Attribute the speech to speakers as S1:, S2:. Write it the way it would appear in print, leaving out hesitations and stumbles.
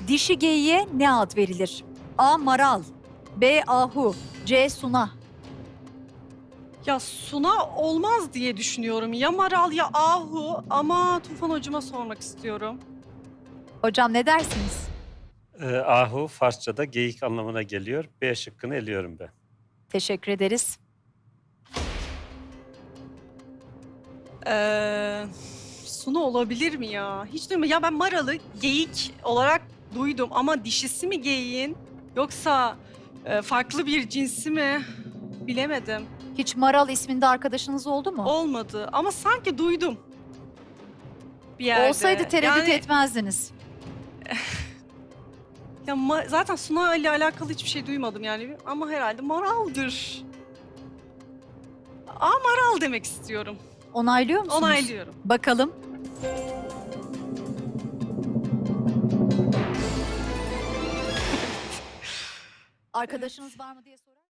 S1: Dişi geyiğe ne ad verilir? A. Maral, B. Ahu, C. Suna.
S2: Ya Suna olmaz diye düşünüyorum. Ya Maral ya Ahu ama Tufan hocama sormak istiyorum.
S1: Hocam ne dersiniz?
S3: Ahu Farsça'da geyik anlamına geliyor. B şıkkını eliyorum ben.
S1: Teşekkür ederiz.
S2: Suna olabilir mi ya? Hiç duymadım. Ya ben Maral'ı geyik olarak duydum ama dişisi mi geyiğin yoksa farklı bir cinsi mi? Bilemedim.
S1: Hiç Maral isminde arkadaşınız oldu mu?
S2: Olmadı ama sanki duydum bir yerde.
S1: Olsaydı tereddüt
S2: Yani,
S1: etmezdiniz.
S2: ya zaten Suna ile alakalı hiçbir şey duymadım yani ama herhalde Maral'dır. Maral demek istiyorum.
S1: Onaylıyor musunuz?
S2: Onaylıyorum.
S1: Bakalım. Arkadaşınız var mı diye sorar.